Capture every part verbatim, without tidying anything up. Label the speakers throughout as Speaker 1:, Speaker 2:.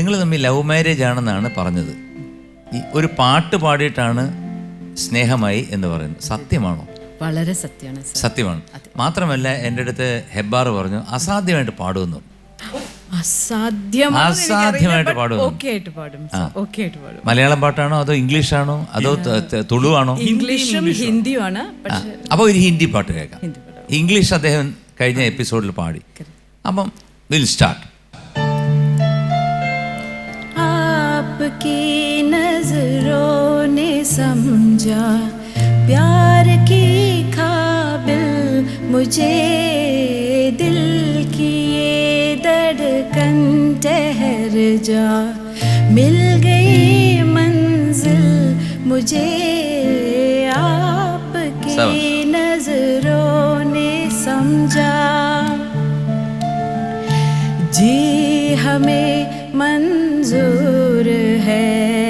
Speaker 1: നിങ്ങൾ തമ്മിൽ love marriage ആണെന്നാണ് പറഞ്ഞത്. ഈ ഒരു പാട്ട് പാടിയിട്ടാണ് സ്നേഹമായി എന്ന് പറയുന്നത് സത്യമാണോ?
Speaker 2: വളരെ സത്യമാണ്.
Speaker 1: സത്യമാണ്. മാത്രമല്ല എൻ്റെ അടുത്ത് ഹെബ്ബാർ പറഞ്ഞു അസാധ്യമായിട്ട് പാടുമെന്നു.
Speaker 2: അസാധ്യമായിട്ട്
Speaker 1: പാടും. മലയാളം പാട്ടാണോ അതോ ഇംഗ്ലീഷാണോ അതോ തുളുവാണോ?
Speaker 2: ഇംഗ്ലീഷും ഹിന്ദിയുമാണ്.
Speaker 1: അപ്പോൾ ഒരു ഹിന്ദി പാട്ട് കേൾക്കാം. ഇംഗ്ലീഷ് അദ്ദേഹം കഴിഞ്ഞ എപ്പിസോഡിൽ പാടി. അപ്പം വിൽ സ്റ്റാർട്ട്.
Speaker 2: आपकी नजरों ने समझा प्यार की काबिल मुझे दिल की ये धड़कन ठहर जा मिल गई मंजिल मुझे आपकी नजरों ने समझा जी हमें मंजूर है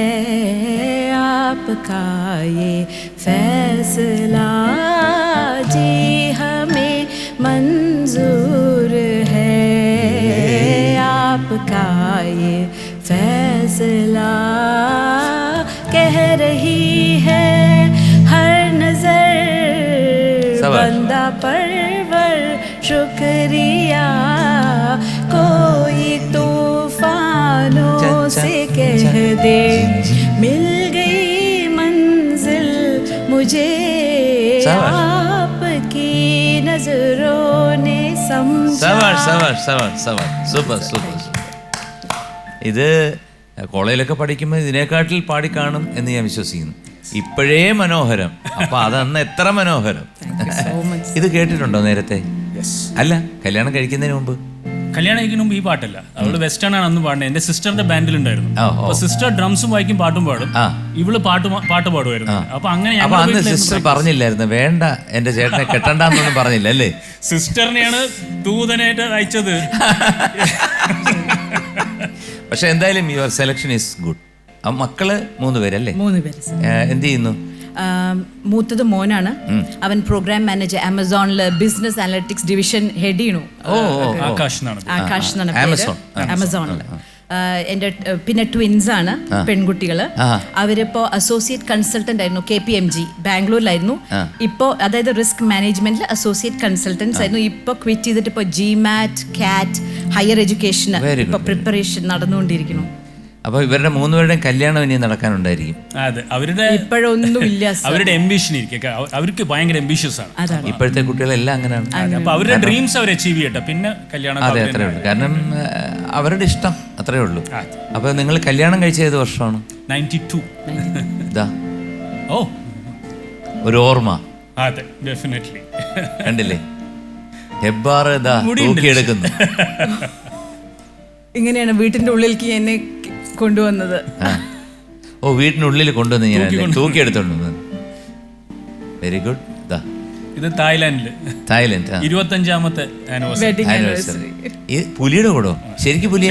Speaker 2: आपका ये फैसला जी हमें मंजूर है आपका ये फैसला कह रही है हर नजर बंदा परवर शुक्रिया कोई तूफानों से कह दे मिल गई मंजिल मुझे आपकी नजरों ने समझा.
Speaker 1: Super super. ഇത് കോളേജിലൊക്കെ പഠിക്കുമ്പോൾ ഇതിനെക്കാട്ടിൽ പാടിക്കാണും എന്ന് ഞാൻ വിശ്വസിക്കുന്നു. ഇപ്പോഴേ മനോഹരം. അപ്പൊ അതന്ന് എത്ര മനോഹരം. ഇത് കേട്ടിട്ടുണ്ടോ നേരത്തെ? അല്ല, കല്യാണം കഴിക്കുന്നതിന് മുമ്പ്.
Speaker 3: കല്യാണം കഴിക്കുന്ന മുമ്പ് ഈ പാട്ടല്ല, അവള് വെസ്റ്റേൺ ആണ് അന്ന് പാടുന്നത്. എന്റെ സിസ്റ്ററിന്റെ ബാൻഡിലുണ്ടായിരുന്നു. അപ്പൊ സിസ്റ്റർ ഡ്രംസും വായിക്കും പാട്ടും പാടും, ഇവള് പാട്ട് പാട്ട് പാടുമായിരുന്നു. അപ്പൊ അങ്ങനെ
Speaker 1: അന്ന് സിസ്റ്റർ പറഞ്ഞില്ലായിരുന്നു വേണ്ട എന്റെ ചേട്ടനെ കെട്ടണ്ടെന്നൊന്നും പറഞ്ഞില്ല അല്ലേ?
Speaker 3: സിസ്റ്ററിനെയാണ് ദൂതനായിട്ട് അയച്ചത്.
Speaker 1: പക്ഷെ എന്തായാലും യുവർ സെലക്ഷൻ ഈസ് ഗുഡ്. മക്കള് മൂന്ന് പേരല്ലേ?
Speaker 2: മൂന്ന് പേര്.
Speaker 1: എന്ത് ചെയ്യുന്നു?
Speaker 2: മൂത്തത് മോനാണ്. അവൻ പ്രോഗ്രാം മാനേജർ ആമസോണില് ബിസിനസ് അനലിറ്റിക്സ് ഡിവിഷൻ ഹെഡ് ചെയ്യണു.
Speaker 3: ആകാശ്
Speaker 2: ആമസോണില്. എന്റെ പിന്നെ ട്വിൻസ് ആണ് പെൺകുട്ടികള്. അവരിപ്പോ അസോസിയേറ്റ് കൺസൾട്ടന്റ് ആയിരുന്നു കെ പി എം ജി ബാംഗ്ലൂരിലായിരുന്നു. ഇപ്പോ അതായത് റിസ്ക് മാനേജ്മെന്റിൽ അസോസിയേറ്റ് കൺസൾട്ടൻസ് ആയിരുന്നു. ഇപ്പൊ ക്വിറ്റ് ചെയ്തിട്ട് ഇപ്പൊ ജി മാറ്റ് കാറ്റ് ഹയർ എഡ്യൂക്കേഷന് ഇപ്പൊ പ്രിപ്പറേഷൻ നടന്നുകൊണ്ടിരിക്കുന്നു.
Speaker 1: അപ്പൊ ഇവരുടെ മൂന്നുപേരുടെയും കല്യാണം ഇനി നടക്കാനുണ്ടായിരിക്കും.
Speaker 3: അതെ, അവരുടെ
Speaker 2: ഇപ്പോഴൊന്നും ഇല്ല.
Speaker 3: അവരുടെ എംബിഷൻ ഇരിക്കും, അവർക്ക് ഭയങ്കര എംബിഷ്യസ് ആണ്.
Speaker 1: ഇപ്പോഴത്തെ കുട്ടികളെല്ലാം അങ്ങനെയാണ്.
Speaker 3: അപ്പൊ അവരുടെ ഡ്രീംസ് അവർ അച്ചീവ് ചെയ്യട്ടെ, പിന്നെ കല്യാണം.
Speaker 1: അതെ, അത്രേ ഉള്ളൂ. കാരണം അവരുടെ ഇഷ്ടം അത്രേ ഉള്ളൂ. അപ്പൊ നിങ്ങൾ കല്യാണം കഴിച്ച ഏത് വർഷമാണ്?
Speaker 3: Ninety two.
Speaker 1: ഇതാ
Speaker 3: ഓ
Speaker 1: ഒരു ഓർമ്മ.
Speaker 3: അതെ, ഡെഫിനറ്റ്ലി.
Speaker 1: കണ്ടില്ലേ ഹെബ്ബാർ ഇതാ തൂക്കിയെടുക്കുന്നു.
Speaker 2: ഇങ്ങനെയാണ് വീട്ടിന്റെ ഉള്ളിലേക്ക് എന്നെ കൊണ്ടുവന്നത്.
Speaker 1: ഓ, വീട്ടിനുള്ളിൽ കൊണ്ടുവന്ന് ഞാൻ തൂക്കിയെടുത്തോണ്ട്. Very good.
Speaker 3: ഇത് തായ്ലാൻഡില്
Speaker 1: തായ്ലൻഡ്
Speaker 3: ഇരുപത്തഞ്ചാമത്തെ ആനിവേഴ്സറി.
Speaker 1: ഈ പുലിയുടെ കൂടോ? ശരിക്കും പുലിയ?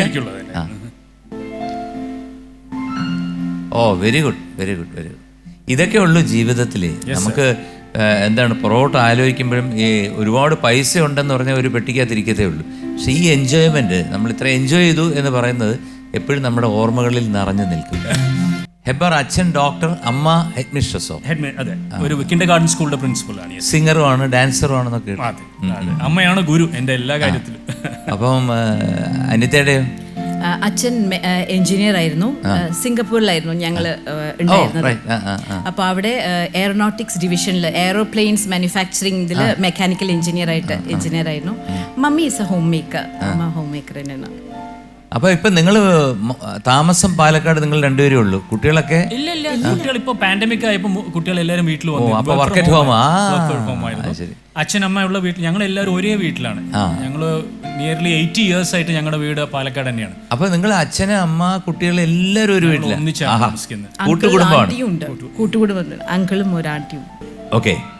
Speaker 1: ഓ, very good very good very good. ഇതൊക്കെ ഉള്ളു ജീവിതത്തിൽ. നമുക്ക് എന്താണ് പുറകോട്ട് ആലോചിക്കുമ്പോഴും ഈ ഒരുപാട് പൈസ ഉണ്ടെന്ന് പറഞ്ഞാൽ ഒരു പെട്ടിക്കകത്തിരിക്കത്തേ ഉള്ളൂ. പക്ഷെ ഈ എൻജോയ്മെന്റ്, നമ്മൾ ഇത്ര എൻജോയ് ചെയ്തു എന്ന് പറയുന്നത് എപ്പോഴും നമ്മുടെ ഓർമ്മകളിൽ നിറഞ്ഞു നിൽക്കും. ഹെബ്ബാർ അച്ഛൻ ഡോക്ടർ, അമ്മ ഹെഡ് മിസ്ട്രസോ?
Speaker 3: അതെ, ഒരു കിൻഡർ ഗാർഡൻ സ്കൂളിന്റെ പ്രിൻസിപ്പലാണ്.
Speaker 1: സിംഗറും ആണ്, ഡാൻസറും ആണെന്നൊക്കെ.
Speaker 3: അമ്മയാണ് ഗുരു എന്റെ എല്ലാ കാര്യത്തിലും.
Speaker 1: അപ്പം അനിതയുടെയോ?
Speaker 2: അച്ഛൻ എഞ്ചിനീയർ ആയിരുന്നു. സിംഗപ്പൂരിലായിരുന്നു ഞങ്ങള് ഉണ്ടായിരുന്നത്. അപ്പൊ അവിടെ എയറോനോട്ടിക്സ് ഡിവിഷനിൽ എയറോപ്ലെയിൻസ് മാനുഫാക്ചറിംഗ് ഇതില് മെക്കാനിക്കൽ എഞ്ചിനീയർ ആയിട്ട് എഞ്ചിനീയർ ആയിരുന്നു. Mummy is a homemaker. അമ്മ ഹോം മേക്കർ തന്നെയാണ്.
Speaker 1: അപ്പൊ ഇപ്പൊ നിങ്ങള് താമസം പാലക്കാട് നിങ്ങൾ രണ്ടുപേരേ ഉള്ളൂ? കുട്ടികളൊക്കെ
Speaker 3: ഇല്ല ഇല്ല കുട്ടികൾ ഇപ്പൊ പാൻഡമിക് ആയപ്പോ കുട്ടികൾ എല്ലാവരും വീട്ടിൽ വന്നു.
Speaker 1: Work at home.
Speaker 3: അച്ഛൻ അമ്മയുള്ള വീട്ടിൽ ഞങ്ങൾ എല്ലാവരും ഒരേ വീട്ടിലാണ്. ഞങ്ങള് നിയർലി എയ്റ്റി ഇയേഴ്സ് ആയിട്ട് ഞങ്ങളുടെ വീട് പാലക്കാട് തന്നെയാണ്.
Speaker 1: അപ്പൊ നിങ്ങൾ അച്ഛന് അമ്മ കുട്ടികൾ എല്ലാവരും ഒരു വീട്ടിലാണ്
Speaker 3: ഒന്നിച്ചാണ് താമസിക്കുന്നത്.
Speaker 1: കൂട്ടുകുടുംബമാണ്.
Speaker 2: കൂട്ടുകുടുംബം, അങ്കിളും ഒരു ആന്റിയും.
Speaker 1: ഓക്കെ.